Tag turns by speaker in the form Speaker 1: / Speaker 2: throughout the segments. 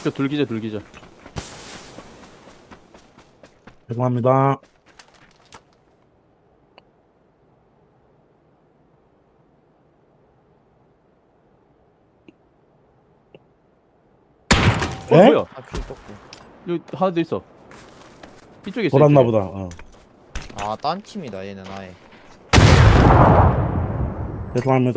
Speaker 1: 그 둘기자 둘기자.
Speaker 2: 죄송합니다. 에?
Speaker 1: 뭐야?
Speaker 3: 아킬 떴고.
Speaker 1: 여기 하나 더 있어. 이쪽에 있어.
Speaker 2: 돌았나
Speaker 1: 이쪽에.
Speaker 2: 보다. 어.
Speaker 3: 아딴 팀이다 얘는 아예.
Speaker 2: 죄송합니다.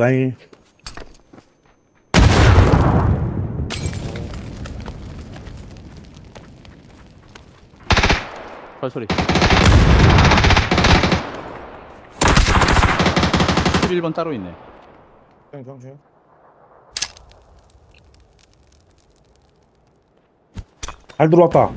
Speaker 1: 발소리. 11번 따로 있네.
Speaker 3: 경중.
Speaker 2: 잘 들어왔다.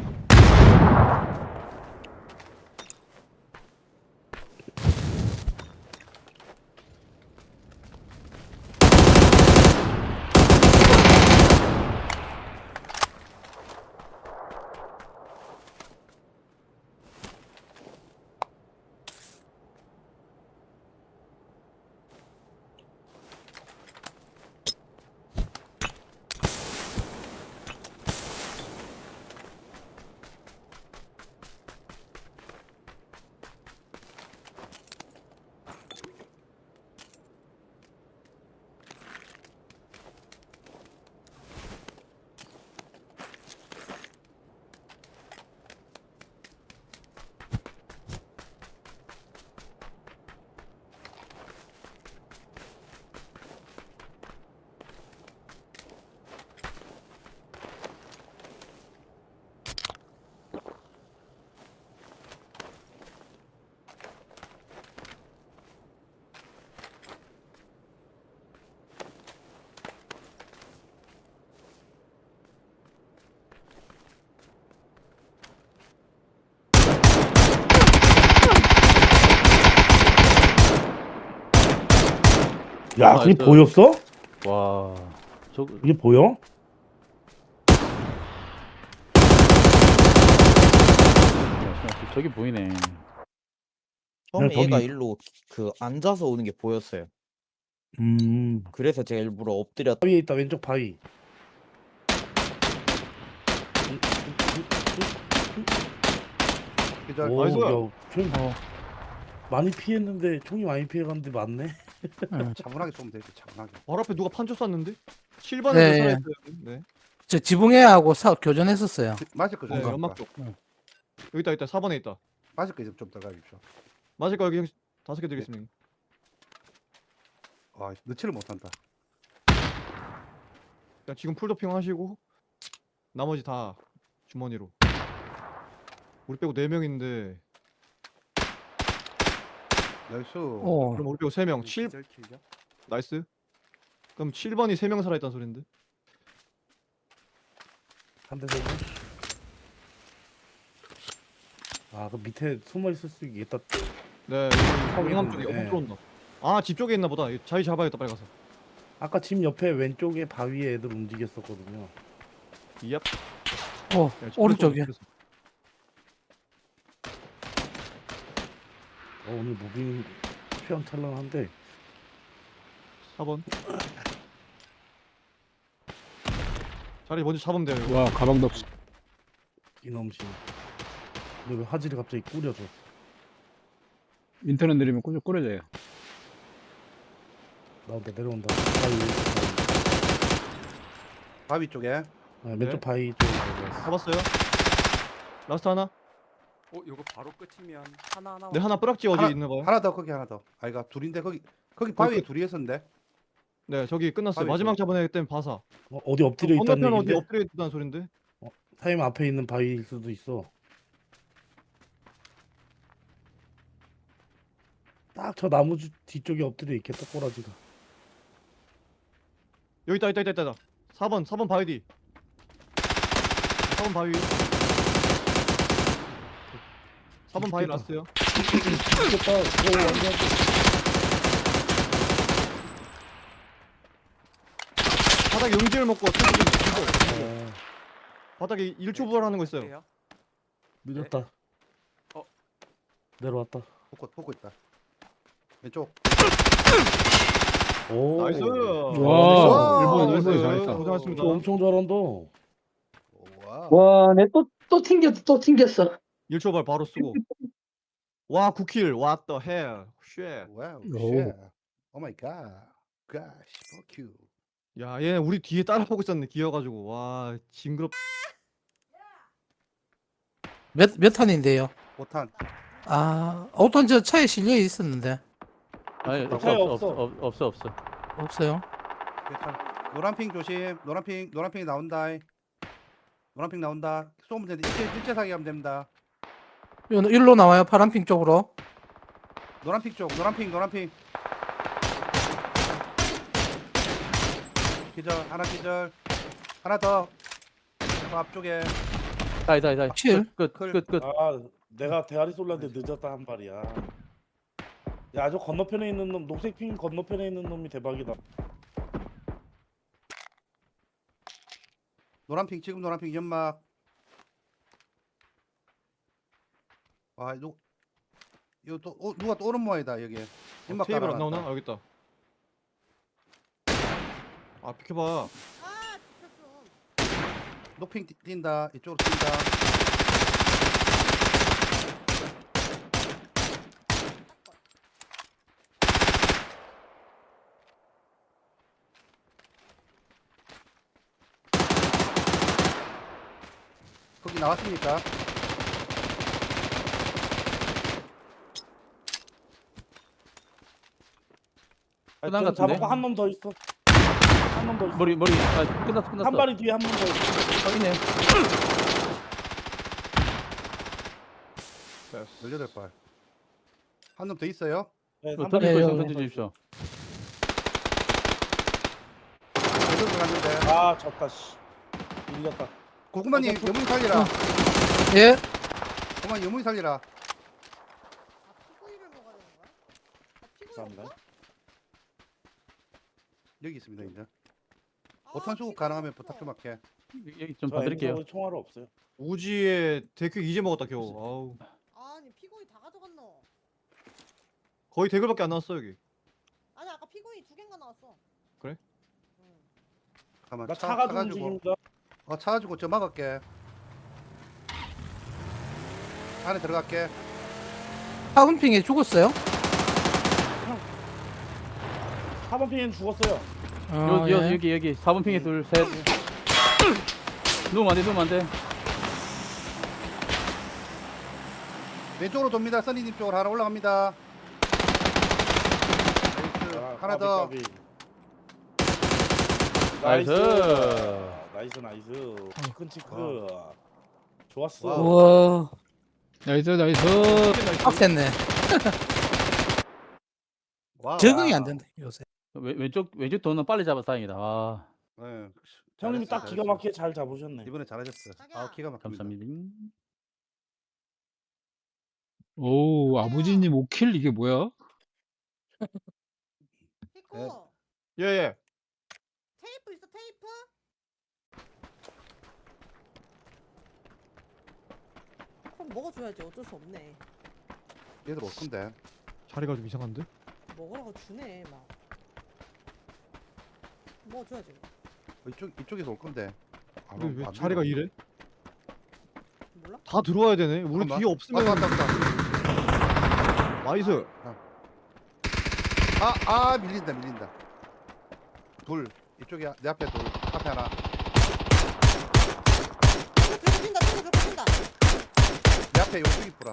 Speaker 2: 야, 그게
Speaker 1: 나이스.
Speaker 2: 보였어?
Speaker 1: 와.
Speaker 2: 이게 보여?
Speaker 1: 저기 보이네.
Speaker 3: 처음에
Speaker 2: 저기-
Speaker 3: 얘가 일로 그 앉아서 오는 게 보였어요. 그래서 제가 일부러 엎드렸.
Speaker 2: 바위에 있다. 왼쪽 바위.
Speaker 4: 기절.
Speaker 2: 오,
Speaker 4: 나이스.
Speaker 2: 야, 총 많이 피했는데 총이 많이 피해갔는데 맞네.
Speaker 4: 차분하게 쏘면 되지. 차분하게.
Speaker 5: 바로 앞에 누가 판초 쐈는데? 7번에
Speaker 6: 네.
Speaker 5: 살아있어요. 네.
Speaker 6: 저 지붕애하고 교전했었어요.
Speaker 4: 맞을 거
Speaker 5: 네,
Speaker 4: 좀.
Speaker 5: 연막 쪽. 여기 있다. 4번에 있다.
Speaker 4: 맞을 거 좀 들어가 주십시오.
Speaker 5: 맞을 거 여기 5개 드리겠습니다.
Speaker 4: 아, 넣지를 못한다.
Speaker 5: 그냥 지금 풀도핑 하시고 나머지 다 주머니로. 우리 빼고 4명인데
Speaker 4: 나이스.
Speaker 6: 오,
Speaker 5: 그럼 우리 빼고 3명. 7 나이스. 그럼 7번이 3명 살아있다는 소린데?
Speaker 2: 한 대 쏘고. 아, 그 밑에 숨어 있을 수 있겠다.
Speaker 5: 네.
Speaker 2: 턱이
Speaker 5: 용암 쪽에
Speaker 2: 있는데.
Speaker 5: 엄 들어온다. 아, 집 쪽에 있나 보다. 자리 잡아야겠다. 빨리 가서.
Speaker 2: 아까 집 옆에 왼쪽에 바위에 애들 움직였었거든요.
Speaker 5: 얍.
Speaker 6: 오,
Speaker 5: 야, 집
Speaker 6: 오른쪽이야.
Speaker 5: 쪽에 있어.
Speaker 2: 오늘 무빙 휘황찬란한데.
Speaker 5: 4번. 자리 먼저 잡으면 돼요. 이거.
Speaker 1: 와, 가방도 없어.
Speaker 2: 이놈씨. 근데 왜 화질이 갑자기 꾸려져?
Speaker 1: 인터넷 느리면 꾸려져요.
Speaker 2: 나온다 내려온다. 바위.
Speaker 4: 바위 쪽에.
Speaker 2: 아, 왼쪽
Speaker 5: 네.
Speaker 2: 바위 쪽에 내려왔어.
Speaker 5: 잡았어요. 라스트 하나.
Speaker 7: 이거 바로 끝이면 하나
Speaker 5: 네, 하나 뿌락지 어디
Speaker 4: 하나-
Speaker 5: 있나 봐요.
Speaker 4: 하나 더 거기 하나 더. 아이가 둘인데 거기 바위에 둘이 있었는데.
Speaker 5: 네, 저기 끝났어요.
Speaker 4: 바위
Speaker 5: 마지막
Speaker 4: 쪽.
Speaker 5: 잡은 애 때문에 봐서.
Speaker 2: 어디 엎드려 있다는
Speaker 5: 건너편 어디
Speaker 2: 얘기인데?
Speaker 5: 엎드려 있다는 소린데?
Speaker 2: 타임 앞에 있는 바위일 수도 있어. 딱 저 나무 뒤쪽에 엎드려 있겠다 꼬라지가.
Speaker 5: 여기 있다. 4번 바위 뒤. 4번 바위. 4번 바위
Speaker 2: 죽겠다.
Speaker 5: 라스트요.
Speaker 2: 죽겠다. 오, 완전.
Speaker 5: 바닥에 용지를 먹고 튀고.
Speaker 2: 어,
Speaker 5: 바닥에 1초 부활하는 거 있어요.
Speaker 2: 늦었다.
Speaker 7: 어.
Speaker 2: 내려왔다.
Speaker 4: 포고 있다. 왼쪽.
Speaker 2: 오.
Speaker 5: 나이스.
Speaker 1: 와,
Speaker 4: 일본
Speaker 5: 나이스.
Speaker 1: 일본이 잘했다.
Speaker 5: 고생하셨습니다.
Speaker 2: 저 엄청 잘한다.
Speaker 4: 와우.
Speaker 8: 와, 내 또 튕겼어, 또 튕겼어.
Speaker 5: 1초발 바로 쓰고. 와 9킬. What the hell. 쉣.
Speaker 4: 와우.
Speaker 6: 오.
Speaker 4: 쉣. 오 마이 갓. 가시 버큐.
Speaker 5: 야, 얘 우리 뒤에 따라오고 있었네. 기어가지고. 와, 징그럽.
Speaker 6: 몇 탄인데요?
Speaker 4: 5탄.
Speaker 6: 아, 5탄 저 차에 실려 있었는데.
Speaker 1: 아니
Speaker 2: 차에
Speaker 1: 없어.
Speaker 6: 없어요?
Speaker 4: 괜찮아. 노란핑 조심. 노란핑 나온다. 노란핑 나온다. 쏘면 되는데 일제 사격하면 됩니다.
Speaker 6: 일로 나와요, 파란핑 쪽으로.
Speaker 4: 노란핑 쪽. 노란핑. 기절. 하나 기절. 하나 더. 그 앞쪽에.
Speaker 1: 다이.
Speaker 6: 칠.
Speaker 1: 끝.
Speaker 2: 아, 내가 대가리 쏠랐는데 늦었다 한 발이야. 야, 저 건너편에 있는 놈, 녹색 핑 건너편에 있는 놈이 대박이다.
Speaker 4: 노란핑 지금 노란핑 연막. 와, 이거 또 누가 또 오른 모양이다 여기. 연막
Speaker 5: 테이블 안
Speaker 4: 깔아놨다.
Speaker 5: 나오나? 아, 여기 있다. 아, 비켜봐.
Speaker 4: 녹핑 뛴다. 이쪽으로 뛴다. 거기 나왔습니까?
Speaker 1: 끝난 것 같은데?
Speaker 2: 잡았고 한 놈 더 있어. 한 놈 더 있어.
Speaker 1: 머리 끝났어.
Speaker 2: 한 발이 뒤에 한 놈 더 있어.
Speaker 1: 확인해.
Speaker 4: 18발. 한 놈 더 있어요?
Speaker 2: 네,
Speaker 1: 던질
Speaker 2: 한
Speaker 1: 거
Speaker 2: 발이
Speaker 1: 있으면
Speaker 2: 더
Speaker 1: 던져 주십시오.
Speaker 4: 여덟 갔는데.
Speaker 2: 아, 졌다 씨. 밀렸다.
Speaker 4: 고구마님 여문이 살리라.
Speaker 6: 예?
Speaker 4: 고구마 여문이 살리라.
Speaker 2: 감사합니다.
Speaker 4: 여기 있습니다 이제. 5탄 수급 가능하면 부탁 좀 할게.
Speaker 1: 여기 좀
Speaker 2: 저
Speaker 1: 봐드릴게요.
Speaker 2: M4 총알 없어요.
Speaker 5: 우지에 대크 이제 먹었다 겨우. 아우.
Speaker 9: 아니 피고이 다 가져갔노.
Speaker 5: 거의 대글밖에 안 나왔어 여기.
Speaker 9: 아니 아까 피고이 2개인가 나왔어.
Speaker 5: 그래?
Speaker 9: 응.
Speaker 4: 가만
Speaker 2: 나 차가 좀
Speaker 4: 가지고.
Speaker 2: 움직입니다.
Speaker 4: 차 가지고 저 막을게. 안에 들어갈게.
Speaker 6: 파운핑에 죽었어요?
Speaker 2: 4번 핑은 죽었어요.
Speaker 1: 여기 4번 핑에 둘, 셋. 누우면 안 돼.
Speaker 4: 왼쪽으로 돕니다. 써니님 쪽으로 하나 올라갑니다. 나이스.
Speaker 2: 아,
Speaker 4: 하나 더.
Speaker 2: 까비.
Speaker 1: 나이스.
Speaker 2: 나이스. 큰 치크. 좋았어.
Speaker 4: 와우.
Speaker 6: 우와,
Speaker 8: 나이스.
Speaker 6: 빡셌네.
Speaker 4: 와우.
Speaker 6: 적응이 안 된다, 요새.
Speaker 1: 왼쪽 도는 빨리 잡아서 다행이다. 아,
Speaker 4: 네.
Speaker 2: 형님이 딱
Speaker 4: 잘했어,
Speaker 2: 기가
Speaker 4: 잘했어.
Speaker 2: 막히게 잘 잡으셨네.
Speaker 4: 이번에 잘하셨어.
Speaker 9: 자기야.
Speaker 4: 기가 막힙니다.
Speaker 1: 감사합니다.
Speaker 8: 오, 아버지님 5킬 이게 뭐야?
Speaker 9: 피고
Speaker 4: 네.
Speaker 5: 예.
Speaker 9: 테이프 있어 테이프? 그럼 먹어줘야지 어쩔 수 없네.
Speaker 4: 얘들 올 건데.
Speaker 5: 자리가 좀 이상한데?
Speaker 9: 먹으라고 주네 막. 먹어줘야지.
Speaker 4: 이쪽에서 올 건데. 아,
Speaker 5: 근데 왜
Speaker 4: 안
Speaker 5: 자리가
Speaker 4: 들어오네.
Speaker 5: 이래?
Speaker 9: 몰라?
Speaker 5: 다 들어와야 되네. 우리
Speaker 4: 잠깐만.
Speaker 5: 뒤에 없으면
Speaker 4: 왔다.
Speaker 5: 나이스.
Speaker 4: 밀린다. 둘. 이쪽에 내 앞에 둘. 앞에 하나.
Speaker 9: 뛴다.
Speaker 4: 내 앞에 요쪽이 뿌라.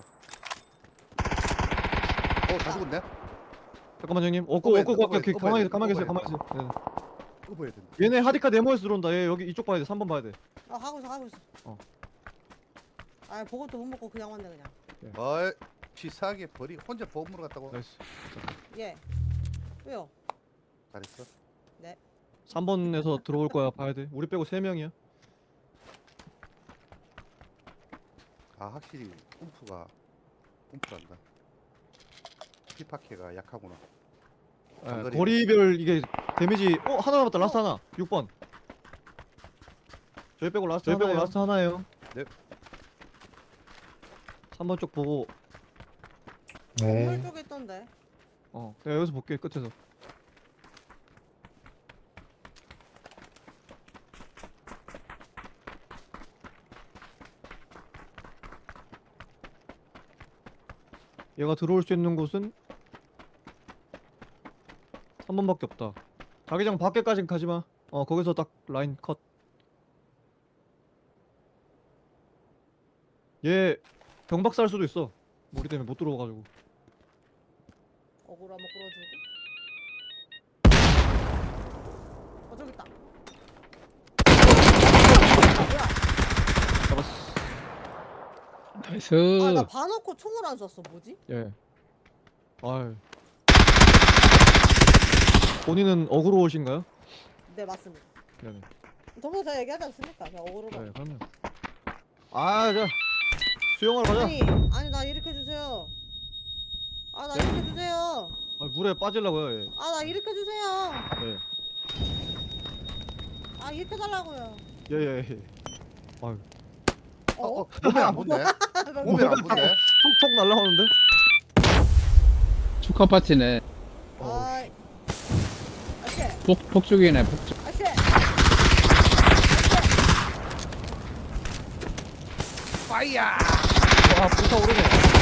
Speaker 4: 다 죽었네.
Speaker 5: 잠깐만 형님.
Speaker 4: 꺼봐야 돼,
Speaker 5: 오케이.
Speaker 4: 꺼봐야 돼,
Speaker 5: 가만히 계세요.
Speaker 4: 꺼봐야
Speaker 5: 가만히 계세요. 네.
Speaker 4: 이거 보여야 된다.
Speaker 5: 얘네 하디카 네모에서 들어온다. 얘 여기 이쪽 봐야 돼. 3번 봐야 돼.
Speaker 9: 가고 있어.
Speaker 5: 어.
Speaker 9: 아 보고도 못 먹고 그냥 왔네 그냥.
Speaker 4: 치사하게 버리 혼자 보험으로 갔다고.
Speaker 5: 나이스.
Speaker 9: 예. 왜요?
Speaker 4: 잘했어.
Speaker 5: 3번에서 들어올 거야. 봐야 돼. 우리 빼고 3명이야.
Speaker 4: 확실히 움프란다. 피파케가 약하구나. 장거리.
Speaker 5: 거리별 이게 데미지 하나 남았다. 라스트 하나. 6번. 저희 빼고 라스트 하나예요.
Speaker 4: 네.
Speaker 5: 3번 쪽 보고
Speaker 9: 건물 쪽에 있던데.
Speaker 5: 내가 여기서 볼게. 끝에서. 얘가 들어올 수 있는 곳은 3번밖에 없다. 자기장 밖에까진 가지마. 거기서 딱 라인 컷. 얘 경박사 할 수도 있어. 우리 때문에 못 들어와가지고.
Speaker 9: 어그로 한번 끌어주고. 저기 있다.
Speaker 5: 잡았어.
Speaker 8: 나이스.
Speaker 9: 아, 나 봐놓고 총을 안 쐈어. 뭐지?
Speaker 5: 예. 아유. 본인은 어그로우신가요?
Speaker 9: 네, 맞습니다.
Speaker 5: 네네.
Speaker 9: 저번에 제가 얘기하지 않습니까? 그냥 어그로로.
Speaker 5: 네, 그럼요. 자. 수영하러 가자.
Speaker 9: 아니 나 일으켜 주세요. 아, 나
Speaker 5: 네?
Speaker 9: 일으켜 주세요.
Speaker 5: 물에 빠지려고요, 예.
Speaker 9: 아, 나 일으켜 주세요.
Speaker 5: 예.
Speaker 9: 아, 일으켜 달라고요.
Speaker 5: 예, 예, 예. 아유.
Speaker 4: 몸에 안 본데? 몸에 안 본데?
Speaker 5: 톡톡 날라오는데?
Speaker 8: 축하 파티네.
Speaker 9: 아, 아씨,
Speaker 8: 폭죽이네, 폭죽.
Speaker 9: 아씨.
Speaker 4: 파이야!
Speaker 5: 와, 불타오르네.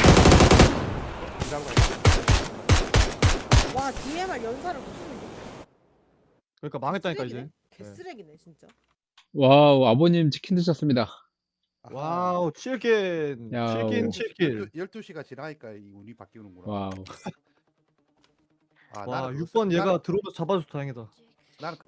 Speaker 9: 와, DMR 연사를 못 쓰는데.
Speaker 5: 그러니까 망했다니까,
Speaker 9: 쓰레기네.
Speaker 5: 이제.
Speaker 9: 개쓰레기네 진짜.
Speaker 8: 와우, 아버님 치킨 드셨습니다.
Speaker 5: 와우, 7킬.
Speaker 8: 야우.
Speaker 5: 7킬.
Speaker 4: 12시가 지나니까 이 운이 바뀌는구나.
Speaker 8: 와우.
Speaker 4: 아,
Speaker 5: 와,
Speaker 4: 나는
Speaker 5: 6번 얘가
Speaker 4: 나는,
Speaker 5: 들어오면서 잡아줘서 다행이다.
Speaker 4: 나는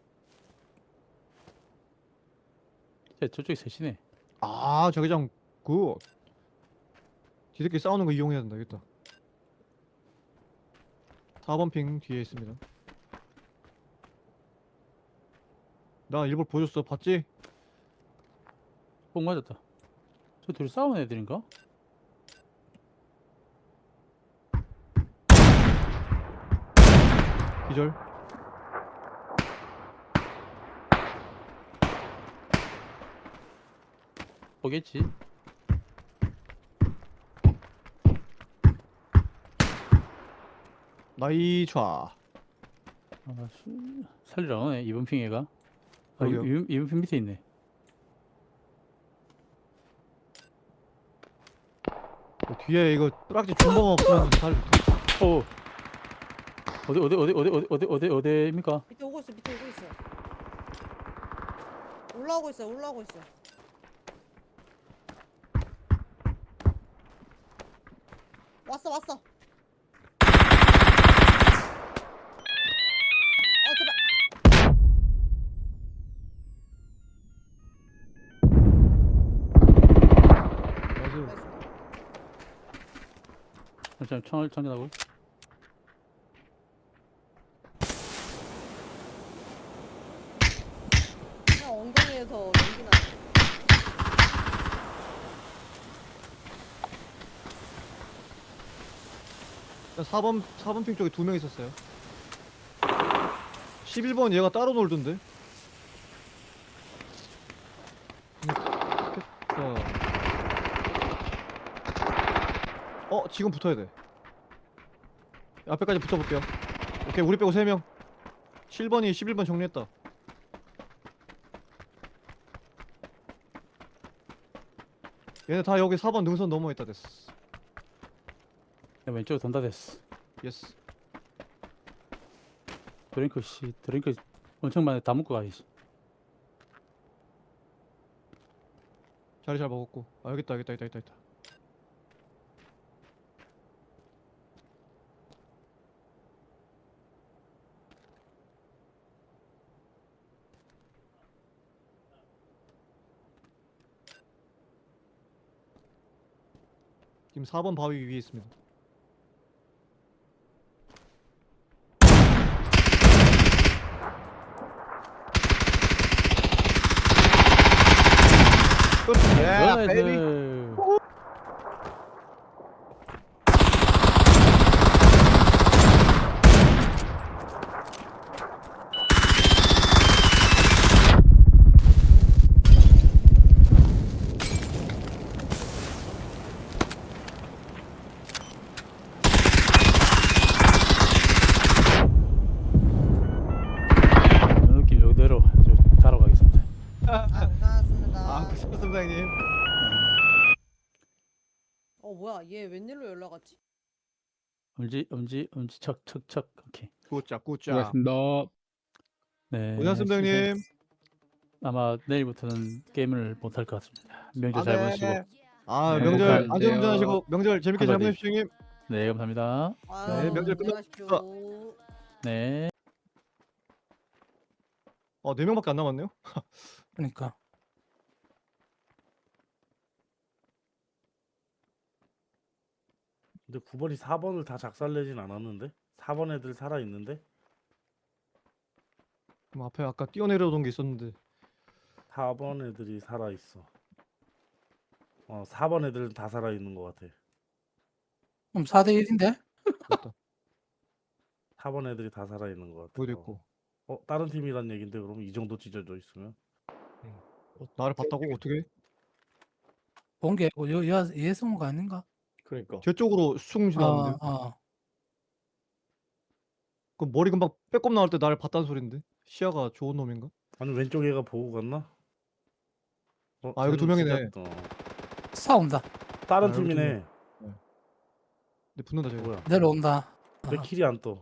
Speaker 1: 저쪽에 셋이네.
Speaker 5: 자기장 굿. 지들끼리 싸우는 거 이용해야 된다, 여기다. 4번 핑 뒤에 있습니다. 나 일부러 보여줬어, 봤지?
Speaker 1: 뽕 맞았다. 저 둘이 싸우는 애들인가?
Speaker 5: 기절.
Speaker 1: 보겠지.
Speaker 5: 나이촤.
Speaker 1: 아, 살리러 오네. 이번 핑 애가. 아,
Speaker 5: 그러게요.
Speaker 1: 이번 핑 밑에 있네.
Speaker 5: 뒤에 이거 뿌락지 중범 없으면 잘.
Speaker 1: 오. 어디입니까?
Speaker 9: 밑에 오고 있어. 밑에 오고 있어. 올라오고 있어. 올라오고 있어. 왔어 왔어. 제발.
Speaker 5: 나이스.
Speaker 9: 나이스.
Speaker 1: 잠시만 총알 장전하고.
Speaker 9: 그냥 엉덩이에서 연기 나.
Speaker 5: 4번 핑 쪽에 2명 있었어요. 11번 얘가 따로 놀던데. 좋겠다. 지금 붙어야 돼. 앞에까지 붙어볼게요. 오케이, 우리 빼고 3명. 7번이 11번 정리했다. 얘네 다 여기 4번 능선 넘어 있다 됐어.
Speaker 1: 야, 왼쪽으로 돈다 됐어.
Speaker 5: 예스.
Speaker 1: 드링크 엄청 많이 다 먹고 가야지.
Speaker 5: 자리 잘 먹었고. 여기 있다. 지금 4번 바위 위에 있습니다. 끝.
Speaker 1: 나이스. 이 느낌 이대로 자러 가겠습니다.
Speaker 9: 고생하셨습니다.
Speaker 5: 고생하셨습니다, 형님.
Speaker 9: 뭐야 얘 웬일로 연락 왔지?
Speaker 1: 척. 오케이.
Speaker 5: 꾸짜 꾸짜.
Speaker 8: 수고하셨습니다.
Speaker 1: 네.
Speaker 5: 고생하셨습니다 형님.
Speaker 1: 아마 내일부터는 게임을 못할 것 같습니다. 명절 잘 보내시고.
Speaker 5: 아
Speaker 1: 네,
Speaker 5: 명절
Speaker 8: 감사합니다.
Speaker 5: 안전운전하시고 명절 재밌게 잘
Speaker 1: 한마디.
Speaker 5: 보내십시오 형님.
Speaker 1: 네, 감사합니다.
Speaker 9: 아유,
Speaker 5: 명절
Speaker 9: 안녕하십시오.
Speaker 1: 네.
Speaker 5: 4명밖에 안 남았네요.
Speaker 6: 그러니까.
Speaker 2: 근데 9번이 4번을 다 작살내진 않았는데? 4번 애들 살아있는데?
Speaker 5: 그럼 앞에 아까 뛰어내려오던 게 있었는데
Speaker 2: 4번 애들이 살아있어. 4번 애들은 다 살아있는 것 같아.
Speaker 6: 그럼 4대 1인데?
Speaker 5: 됐다.
Speaker 2: 4번 애들이 다 살아있는 것 같아.
Speaker 5: 보이도 있고.
Speaker 2: 다른 팀이란 얘긴데 그럼 이 정도 찢어져 있으면?
Speaker 5: 나를 봤다고 어떻게?
Speaker 6: 본게 예성우가 아닌가?
Speaker 2: 그러니까.
Speaker 5: 제 쪽으로 숭 지나왔는데. 그 머리 금방 빼꼼 나올 때 나를 봤다는 소린데. 시야가 좋은 놈인가?
Speaker 2: 아니 왼쪽 애가 보고 갔나?
Speaker 5: 아, 여기 두
Speaker 2: 쟤는
Speaker 5: 명이네.
Speaker 2: 찢었다.
Speaker 6: 싸운다.
Speaker 2: 다른
Speaker 5: 아, 여기 두
Speaker 2: 팀이네.
Speaker 5: 근데 붙는다 저기.
Speaker 2: 뭐야?
Speaker 6: 내려온다.
Speaker 2: 왜 킬이 안 떠?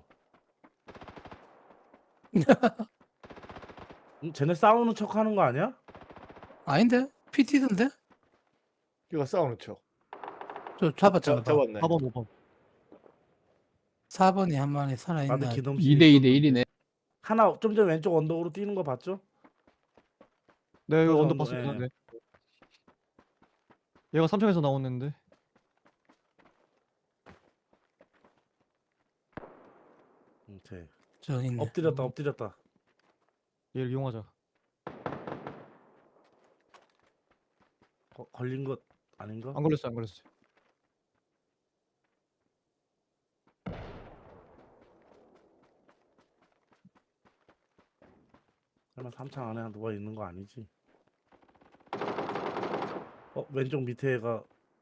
Speaker 2: 쟤네 싸우는 척 하는 거 아니야?
Speaker 6: 아닌데? PT던데?
Speaker 10: 이거 싸우는 척.
Speaker 6: 저 잡았잖아.
Speaker 10: 잡았네.
Speaker 5: 4번 5번.
Speaker 6: 4번이 한 마리
Speaker 2: 나한테
Speaker 6: 살아있나?
Speaker 2: 기넘
Speaker 8: 2대 2대 1이네.
Speaker 2: 하나 좀 전에 왼쪽 언덕으로 뛰는 거 봤죠?
Speaker 5: 네 이거
Speaker 2: 그래서
Speaker 5: 언더
Speaker 2: 언더,
Speaker 5: 봤습니다.
Speaker 2: 예.
Speaker 5: 네. 얘가 3층에서 나오는데.
Speaker 2: 쟤
Speaker 6: 저 있네.
Speaker 2: 엎드렸다.
Speaker 5: 얘를 이용하자.
Speaker 2: 걸린 것 아닌가?
Speaker 5: 안 걸렸어 안 걸렸어.
Speaker 2: 설마 3창 안에 누가 있는 거 아니지? 왼쪽 밑에 애가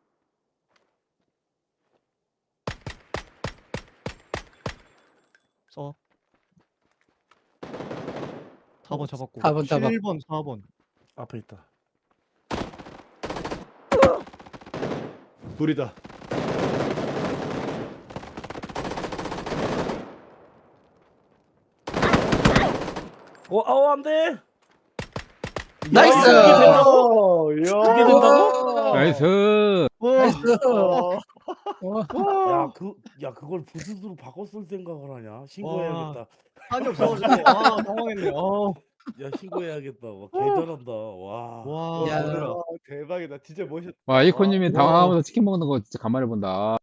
Speaker 5: 써. 4번 잡았고.
Speaker 6: 4번 잡았고.
Speaker 5: 7번 4번.
Speaker 2: 앞에 있다.
Speaker 10: 불이다.
Speaker 2: 안 돼!
Speaker 6: 나이스!
Speaker 2: 그게 된다고?
Speaker 8: 나이스.
Speaker 2: 그걸 부스스로 바꿨을 생각을 하냐? 신고해야겠다.
Speaker 5: 한이 없어가지고 당황했네.
Speaker 2: 야, 신고해야겠다. 와, 개잘한다. 와.
Speaker 5: 와.
Speaker 6: 야.
Speaker 5: 얘들아.
Speaker 10: 대박이다. 진짜 멋있다.
Speaker 8: 와, 이코님이 당황하면서 치킨 먹는 거 진짜 간만에 본다.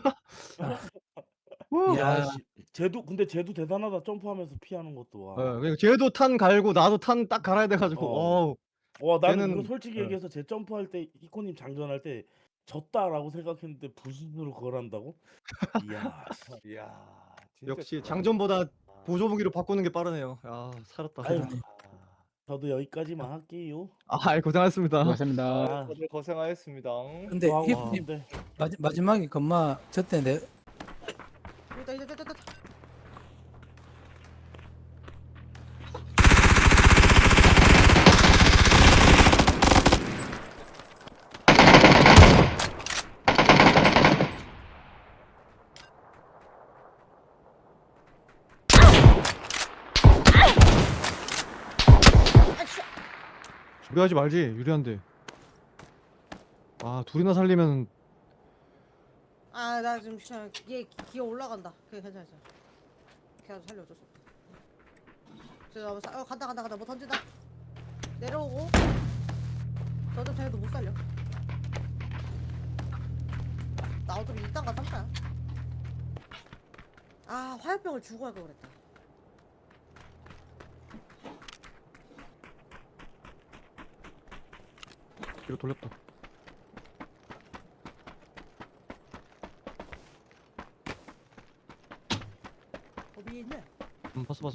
Speaker 6: 야,
Speaker 2: 근데 쟤도 대단하다. 점프하면서 피하는 것도 와.
Speaker 5: 그러니까 쟤도 탄 갈고 나도 탄 딱 갈아야 돼가지고.
Speaker 2: 어. 나는 이거
Speaker 5: 쟤는-
Speaker 2: 솔직히
Speaker 5: 어.
Speaker 2: 얘기해서 쟤 점프할 때 이코님 장전할 때 졌다라고 생각했는데 부스스로 그걸 한다고? 이야.
Speaker 10: 이야. 진짜
Speaker 5: 역시
Speaker 10: 대박이다.
Speaker 5: 장전보다 보조 무기로 바꾸는 게 빠르네요. 야 살았다.
Speaker 2: 아유, 저도 여기까지만 할게요.
Speaker 5: 고생하셨습니다.
Speaker 8: 수고하셨습니다.
Speaker 2: 아,
Speaker 10: 다들 고생하셨습니다.
Speaker 6: 근데
Speaker 2: 와,
Speaker 6: 힙님
Speaker 2: 근데
Speaker 6: 마지막에 금마 저때 내
Speaker 9: 있다.
Speaker 5: 무리하지 말지. 유리한데. 둘이나 살리면
Speaker 9: 나 지금 얘 기어 올라간다. 그래, 괜찮아. 걔가 살려줘. 간다. 뭐 던진다. 내려오고. 저도 쟤도 못 살려. 나 어차피 2단가 3단야. 화염병을 주고 갈 걸 그랬다.
Speaker 5: 뒤로 돌렸다.
Speaker 9: 위에 있네.
Speaker 5: 봤어.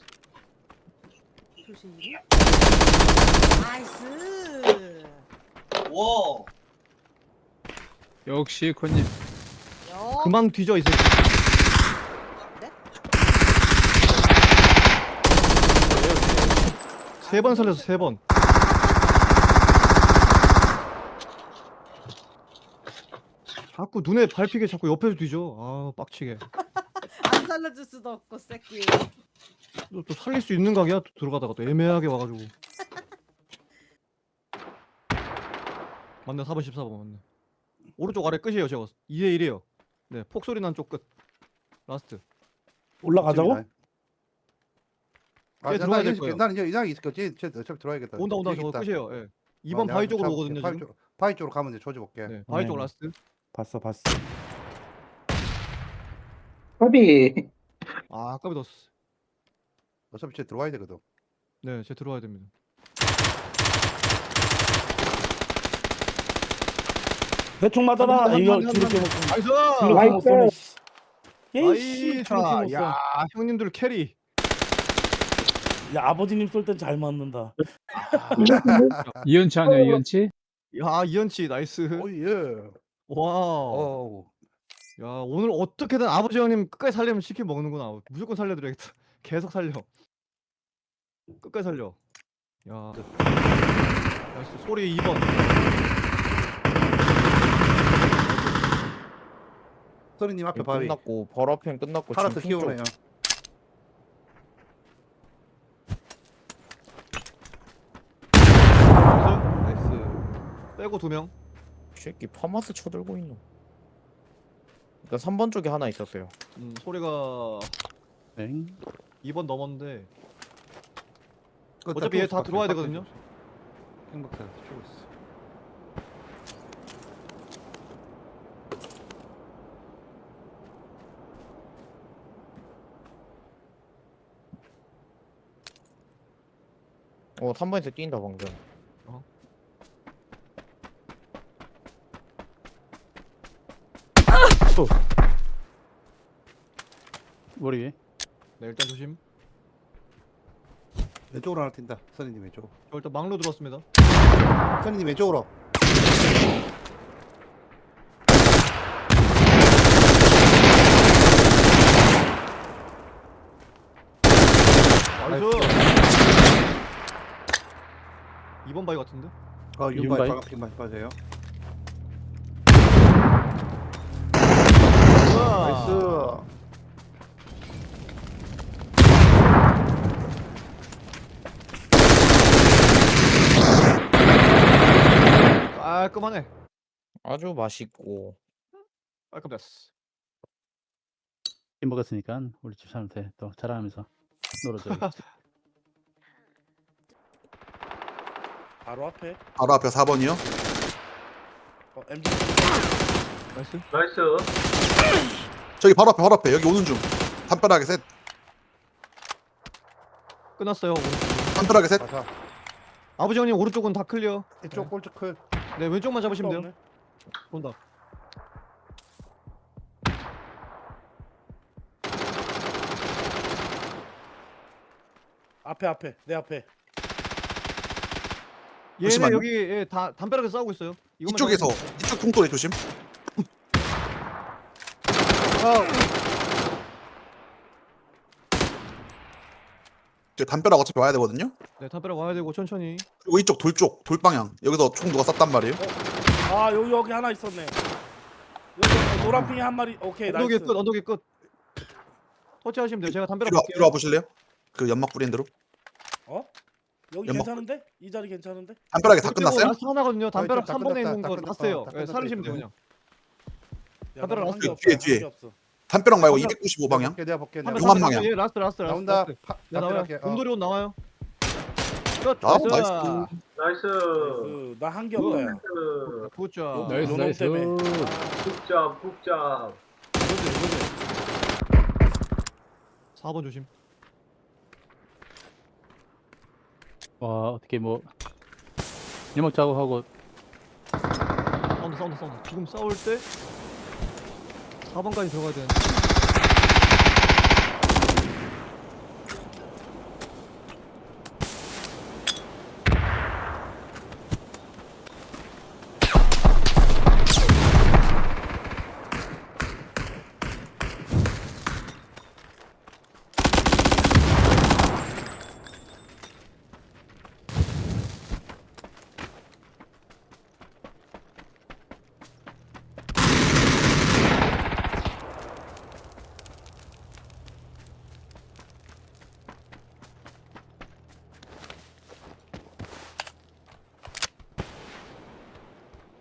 Speaker 9: 조심. 나이스.
Speaker 8: 역시 이코님.
Speaker 5: 그만 뒤져 이 새끼.
Speaker 9: 네?
Speaker 5: 3번 살려서 3번. 자꾸 눈에 밟히게 자꾸 옆에서 뒤져. 아 빡치게.
Speaker 9: 안 살려줄 수도 없고 새끼.
Speaker 5: 또 살릴 수 있는 각이야. 또 들어가다가 또 애매하게 와가지고. 맞네 4번 14번 맞네. 오른쪽 아래 끝이에요 제가. 2대 1이에요. 네 폭소리 난 쪽 끝. 라스트.
Speaker 2: 올라가자고?
Speaker 5: 쟤 들어와야 될 거예요.
Speaker 4: 난 이제 있을 거지. 쟤 어차피 들어야겠다.
Speaker 5: 온다 온다
Speaker 4: 여기
Speaker 5: 저거
Speaker 4: 있다.
Speaker 5: 끝이에요. 예. 2번
Speaker 4: 내가
Speaker 5: 바위
Speaker 4: 좀
Speaker 5: 쪽으로
Speaker 4: 잡아볼게.
Speaker 5: 오거든요 지금.
Speaker 4: 바위 쪽으로 가면 이제 조져볼게.
Speaker 5: 네 바위 쪽
Speaker 2: 네.
Speaker 5: 라스트.
Speaker 2: 봤어.
Speaker 6: 허비.
Speaker 5: 아 아까비 넣었어.
Speaker 4: 어차피 쟤 들어와야 되거든.
Speaker 5: 네, 쟤 들어와야 됩니다.
Speaker 2: 대충 맞아라.
Speaker 5: 한
Speaker 2: 이거
Speaker 5: 번, 한
Speaker 2: 뒤렇게
Speaker 5: 번.
Speaker 2: 못 쏘네.
Speaker 5: 나이스.
Speaker 2: 뒤렇게 못 쏘네. 씨. 예이씨.
Speaker 5: 나이스.
Speaker 2: 뒤렇게 못 쏘.
Speaker 5: 야 형님들 캐리.
Speaker 2: 야 아버지님 쏠 땐 잘 맞는다.
Speaker 8: 이연치 아니야 이연치?
Speaker 5: 야 이현치 나이스.
Speaker 4: 오 예.
Speaker 5: 와.
Speaker 4: 오.
Speaker 5: 야 오늘 어떻게든 아버지 형님 끝까지 살려면 치킨 먹는구나. 무조건 살려드려야겠다. 계속 살려. 끝까지 살려. 야. 나이스. 소리 2번.
Speaker 4: 서리님 앞에 바위.
Speaker 3: 끝났고 버러펜 끝났고
Speaker 4: 파라트
Speaker 3: 지금 핑 쪽.
Speaker 4: 키우네요.
Speaker 5: 나이스. 빼고 2명.
Speaker 3: 새끼 파마스 쳐들고 있노. 일단 3번 쪽에 하나 있었어요.
Speaker 5: 소리가
Speaker 1: 땡.
Speaker 5: 2번 넘었는데
Speaker 4: 그거
Speaker 5: 어차피 얘 다
Speaker 4: 다
Speaker 5: 들어와야
Speaker 4: 빡빡이
Speaker 5: 되거든요.
Speaker 4: 행복해. 죽었어.
Speaker 3: 어 3번에서 뛴다 방금.
Speaker 1: 머리 위에.
Speaker 5: 네 일단 조심.
Speaker 4: 왼쪽으로 하나 튄다. 서리님 왼쪽.
Speaker 5: 저 일단 막로 들어왔습니다.
Speaker 4: 서리님 왼쪽으로.
Speaker 5: 나이스. 2번 바위 같은데?
Speaker 4: 어
Speaker 1: 윤바이.
Speaker 4: 윤바이 빨간 핑만 맞아요. 나이스.
Speaker 5: 깔끔하네.
Speaker 3: 아주 맛있고.
Speaker 5: 깔끔했어.
Speaker 1: 이 먹었으니까 우리 집 사람한테 또 자랑하면서 놀아줘야지.
Speaker 2: 바로 앞에.
Speaker 11: 바로 앞에 4번이요?
Speaker 2: MG.
Speaker 5: 나이스.
Speaker 11: 저기 바로 앞에 여기 오는 중. 담벼락에 셋.
Speaker 5: 끝났어요.
Speaker 11: 담벼락에 셋.
Speaker 4: 가자.
Speaker 5: 아버지 형님 오른쪽은 다 클리어.
Speaker 4: 이쪽 골드 클.
Speaker 5: 네 왼쪽만 잡으시면 돼요.
Speaker 2: 없네.
Speaker 5: 본다.
Speaker 2: 앞에 내 앞에.
Speaker 5: 얘네
Speaker 11: 잠시만요.
Speaker 5: 여기 예, 다 담벼락에 싸우고 있어요. 이것만
Speaker 11: 이쪽에서
Speaker 5: 잡으면
Speaker 11: 이쪽 통돌이 조심. 저 담벼락 어차피 와야 되거든요.
Speaker 5: 돼요. 네 담벼락 와야 되고 천천히.
Speaker 11: 그리고 이쪽 돌 방향. 여기서 총 누가 쐈단 말이에요.
Speaker 2: 아 여기 하나 있었네. 여기 노란 핑이 한 마리. 오케이
Speaker 5: 언덕이
Speaker 2: 나이스.
Speaker 5: 끝. 언덕이 끝. 터치하시면 돼요. 제가 담벼락
Speaker 11: 뒤로
Speaker 5: 볼게요.
Speaker 11: 와보실래요? 그 연막 뿌린 대로.
Speaker 2: 어? 여기
Speaker 11: 연막.
Speaker 2: 괜찮은데? 이 자리 괜찮은데?
Speaker 11: 담벼락에 다
Speaker 5: 그리고
Speaker 11: 끝났어요?
Speaker 5: 라스트 하나거든요. 담벼락
Speaker 4: 다
Speaker 5: 3번에
Speaker 4: 끝났다,
Speaker 5: 있는
Speaker 4: 다
Speaker 5: 거
Speaker 4: 끝났다,
Speaker 5: 봤어요.
Speaker 4: 다
Speaker 5: 예,
Speaker 4: 끝났다,
Speaker 5: 살리시면 돼요
Speaker 4: 이거.
Speaker 5: 그냥.
Speaker 2: 야,
Speaker 5: 담벼락
Speaker 2: 나는
Speaker 5: 라스트
Speaker 2: 한게
Speaker 11: 뒤에,
Speaker 2: 없어,
Speaker 11: 뒤에.
Speaker 2: 한게 없어.
Speaker 11: 담벼락 말고 295 방향.
Speaker 4: 내가 볼게. 내가
Speaker 5: 담벼락
Speaker 11: 용암
Speaker 4: 볼게.
Speaker 11: 방향.
Speaker 5: 예, 라스트.
Speaker 4: 나온다.
Speaker 5: 라스트. 네, 나와요.
Speaker 4: 담벼락에,
Speaker 5: 곰돌이 옷 나와요. 끝.
Speaker 11: 아,
Speaker 5: 나이스.
Speaker 2: 나 한 게 없다. 야.
Speaker 5: 굿잡.
Speaker 8: 나이스
Speaker 2: 요놈
Speaker 8: 나이스.
Speaker 2: 때문에.
Speaker 7: 푹잡.
Speaker 5: 4번 조심.
Speaker 1: 와 어떻게 뭐 연막 작업하고
Speaker 5: 사운드. 지금 싸울 때 4번까지 들어가야 되는데.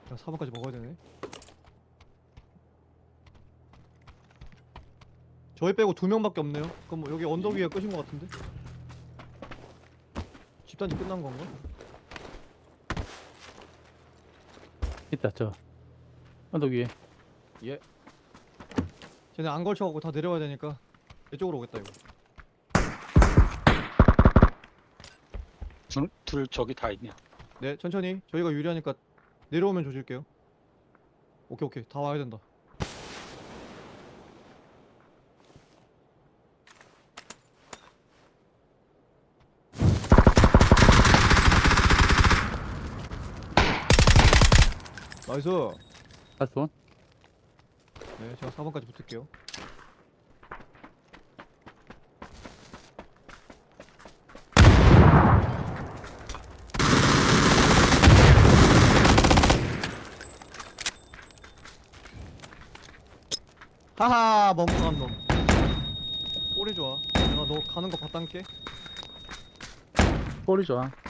Speaker 5: 야, 4번까지 먹어야 되네. 저희 빼고 2명밖에 없네요. 그럼 뭐 여기 언덕 위에 끝인 것 같은데? 집단지 끝난 건가?
Speaker 1: 있다 저 언덕 위에.
Speaker 5: 쟤네 안 걸쳐갖고 다 내려와야 되니까 이쪽으로 오겠다 이거.
Speaker 8: 둘 저기 다 있냐?
Speaker 5: 네 천천히 저희가 유리하니까 내려오면 조질게요. 오케이 다 와야 된다. 나이스.
Speaker 1: 다섯
Speaker 5: 네 제가 4번까지 붙을게요. 하하 멍청한 놈. 꼬리 좋아. 내가 너 가는 거 봤단께.
Speaker 1: 볼이 좋아.